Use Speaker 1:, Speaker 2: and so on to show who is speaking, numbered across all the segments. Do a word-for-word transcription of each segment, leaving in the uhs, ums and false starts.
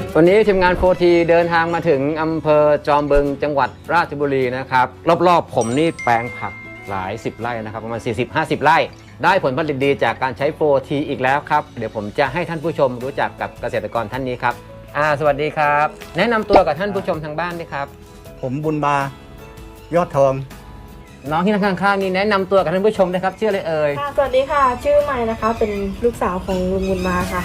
Speaker 1: วันนี้ทีมงานโฟทีเดินทางมาถึงอำเภอจอมบึงจังหวัดราชบุรีนะครับรอบๆผมนี่แปลงผักหลายสิบไร่นะครับประมาณ สี่สิบห้าสิบ ไร่ได้ผลผลิตดีจากการใช้โฟทีอีกแล้วครับเดี๋ยวผมจะให้ท่านผู้ชมรู้จักกับเกษตรกรท่านนี้ครับอ่าสวัสดีครับแนะนำตัวกับท่านผู้ชมทางบ้านด้วยครับ
Speaker 2: ผมบุญมายอดทอง
Speaker 1: น้องที่นั่งข้างๆนี่แนะนำตัวกับท่านผู้ชมนะครับชื่ออะไรเอ่ย
Speaker 3: ค่ะสวัสดีค่ะชื่อใหม่นะคะเป็นลูกสาวของลุงบุญมาค่ะ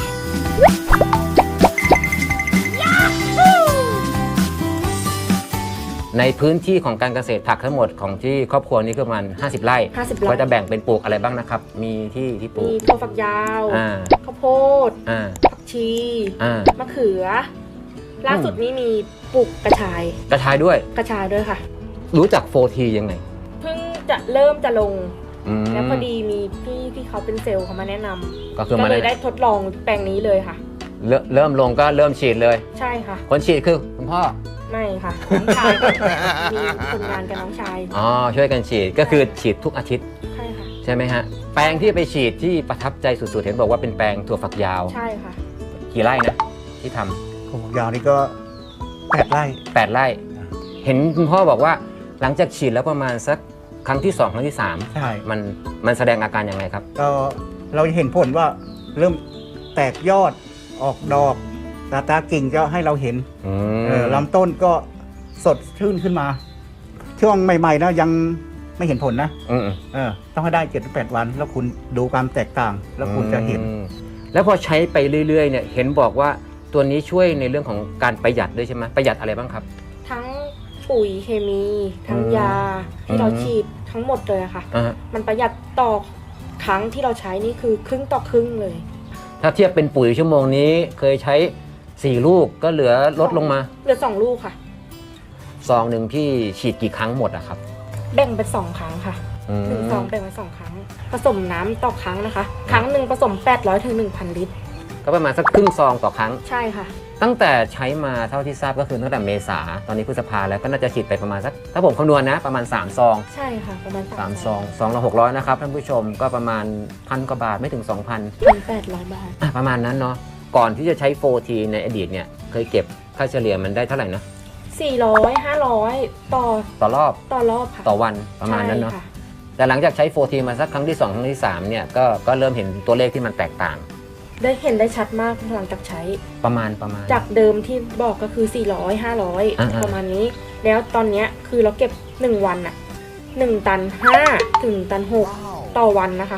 Speaker 1: ในพื้นที่ของการเกษตรผักทั้งหมดของที่ครอบครัวนี้คือประมาณห้าสิบไร่
Speaker 3: ห้าสิบไร่
Speaker 1: ก็จะแบ่งเป็นปลูกอะไรบ้างนะครับมีที่ที่ปลูก
Speaker 3: มีถั่วฝักยาวข้าวโพดผักชีมะเขือล่าสุดนี้มีปลูกกระชาย
Speaker 1: กระชายด้วย
Speaker 3: กระชายด้วยค่ะ
Speaker 1: รู้จักโฟทียังไง
Speaker 3: เพิ่งจะเริ่มจะลงแล้วพอดีมีพี่ที่เขาเป็นเซลล์เขามาแนะนำก็เลยได้ทดลองแปลงนี้เลยค่ะ
Speaker 1: เริ่มลงก็เริ่มฉีดเลย
Speaker 3: ใช่ค่ะ
Speaker 1: คนฉีดคือคุณพ่อ
Speaker 3: ไม่ค่ะน้องชายมีคนงานกับน้องชาย
Speaker 1: อ๋อช่วยกันฉีดก็คือฉีดทุกอาทิตย์
Speaker 3: ใช่ค่ะ
Speaker 1: ใช่ไหมฮะแปลงที่ไปฉีดที่ประทับใจสุดๆเห็นบอกว่าเป็นแปลงถั่วฝักยาว
Speaker 3: ใช่ค่ะ
Speaker 1: กี่ไร่นะที่ทำ
Speaker 2: ถั่วฝักยาวนี่ก็แปดไร่
Speaker 1: แปดไร่เห็นคุณพ่อบอกว่าหลังจากฉีดแล้วประมาณสักครั้งที่สองครั้งที่สาม
Speaker 2: ใช่มัน
Speaker 1: มันแสดงอาการยังไงครับ
Speaker 2: ก็เราเห็นผลว่าเริ่มแตกยอดออกดอกตาตากิ่งก็ให้เราเห็นลำต้นก็สดชื่นขึ้นมาช่วงใหม่ๆนะยังไม่เห็นผลนะเออต้องให้ได้เจ็ดถึงแปดวันแล้วคุณดูความแตกต่างแล้วคุณจะเห็น
Speaker 1: แล้วพอใช้ไปเรื่อยๆเนี่ยเห็นบอกว่าตัวนี้ช่วยในเรื่องของการประหยัดด้วยใช่ไหมประหยัดอะไรบ้างครับ
Speaker 3: ทั้งปุ๋ยเคมีทั้งยาที่เราฉีดทั้งหมดเลยค่ะมันประหยัดต่อครั้งที่เราใช้นี่คือครึ่งต่อครึ่งเลย
Speaker 1: ถ้าเทียบเป็นปุ๋ยชั่วโมงนี้เคยใช้สี่ลูกก็เหลือลดลงมา
Speaker 3: เหลือสองลูกค่ะ
Speaker 1: ซองหนึ่งพี่ฉีดกี่ครั้งหมดอะครับ
Speaker 3: แบ่งเป็นสองครั้งค่ะหนึ่งซองแบ่งเป็นสองครั้งผสมน้ำต่อครั้งนะคะครั้งหนึ่งผสมแปดร้อยถึงหนึ่งพันลิตร
Speaker 1: ก็ประมาณสักครึ่งซองต่อครั้ง
Speaker 3: ใช่ค่ะ
Speaker 1: ตั้งแต่ใช้มาเท่าที่ทราบก็คือตั้งแต่เมษาตอนนี้พฤษภาแล้วก็น่าจะฉีดไปประมาณสักถ้าผมคำนวณนะประมาณสามซอง
Speaker 3: ใช่ค่ะประมาณ
Speaker 1: สามซองซองละหกร้อยนะครับท่านผู้ชมก็ประมาณพันกว่าบาทไม่ถึง สองพัน
Speaker 3: พันแปดร้อยบาท
Speaker 1: ประมาณนั้นเนาะก่อนที่จะใช้โฟทีในอดีตเนี่ยเคยเก็บค่าเฉลี่ยมันได้เท่าไหร่นะ
Speaker 3: สี่ร้อย ห้าร้อยต่อ
Speaker 1: ต่อรอบ
Speaker 3: ต่อรอบค่ะ
Speaker 1: ต่อวันประมาณนั้นเนาะแต่หลังจากใช้โฟทีมาสักครั้งที่สองครั้งที่สามเนี่ยก็ก็เริ่มเห็นตัวเลขที่มันแตกต่าง
Speaker 3: ได้เห็นได้ชัดมากหลังจากใช้
Speaker 1: ประมาณประมาณ
Speaker 3: จากเดิมที่บอกก็คือสี่ร้อย ห้าร้อยประมาณนี้แล้วตอนนี้คือเราเก็บหนึ่งวันอะหนึ่งตันห้าถึงตันหกต่อวันนะคะ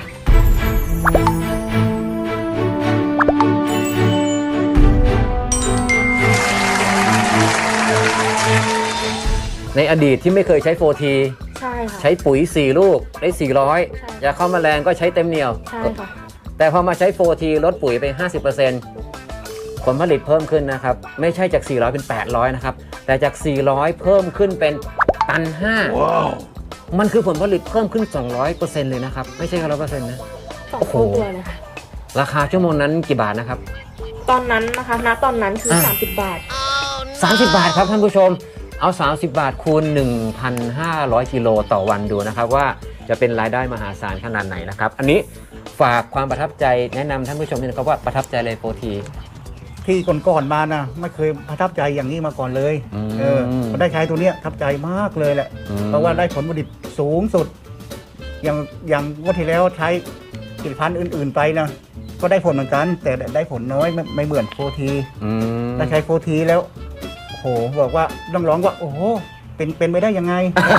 Speaker 1: ในอดีตที่ไม่เคยใช้โฟที
Speaker 3: ใช่ค่ะ
Speaker 1: ใช้ปุ๋ยสี่ลูกได้สี่ร้อยยาฆ่าแมลงก็ใช้เต็มเหนียว
Speaker 3: ใช่ค่ะ
Speaker 1: แต่พอมาใช้โฟทีลดปุ๋ยไป ห้าสิบเปอร์เซ็นต์ ผลผลิตเพิ่มขึ้นนะครับไม่ใช่จากสี่ร้อยเป็นแปดร้อยนะครับแต่จากสี่ร้อยเพิ่มขึ้นเป็นตันห้า wow. มันคือผลผลิตเพิ่มขึ้น สองร้อยเปอร์เซ็นต์ เลยนะครับไม่ใช่แค่ ร้อยเปอร์เซ็นต์ นะ
Speaker 3: โอ้โห
Speaker 1: ราคาชั่วโมงนั้นกี่บาทนะครับ
Speaker 3: ตอนนั้นนะคะณตอนนั้นคือสามสิบบาท
Speaker 1: สามสิบบาทครับท่านผู้ชมเอาสามสิบบาทคูณ หนึ่งพันห้าร้อย กิโลต่อวันดูนะครับว่าจะเป็นรายได้มหาศาลขนาดไหนนะครับอันนี้ฝากความประทับใจแนะนำท่านผู้ชมด้วยนะครับว่าประทับใจเลยโฟที
Speaker 2: ที่ก่อนๆมานะไม่เคยประทับใจอย่างนี้มาก่อนเลยเออได้ใช้ตัวเนี้ยประทับใจมากเลยแหละเพราะว่าได้ผลผลิตสูงสุดอย่างอย่างวันที่แล้วใช้ผลิตภัณฑ์อื่นๆไปนะก็ได้ผลเหมือนกันแต่ได้ผลน้อยไม่ไม่เหมือนโฟทีได้ใช้โฟทีแล้วโอ้โหบอกว่าต้องร้องว่าโอ้โหเป็นเป็นไปได้ยังไง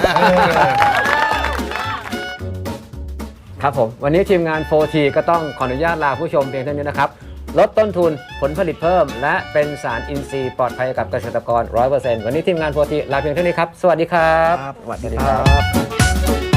Speaker 1: ครับผมวันนี้ทีมงานโฟทีก็ต้องขออนุญาตลาผู้ชมเพียงเท่านี้นะครับลดต้นทุนผลผลิตเพิ่มและเป็นสารอินทรีย์ปลอดภัยกับเกษตรกร ร้อยเปอร์เซ็นต์ วันนี้ทีมงานโฟทีลาเพียงเท่านี้ครับสวัสดีครับ
Speaker 2: สวัสดีครับ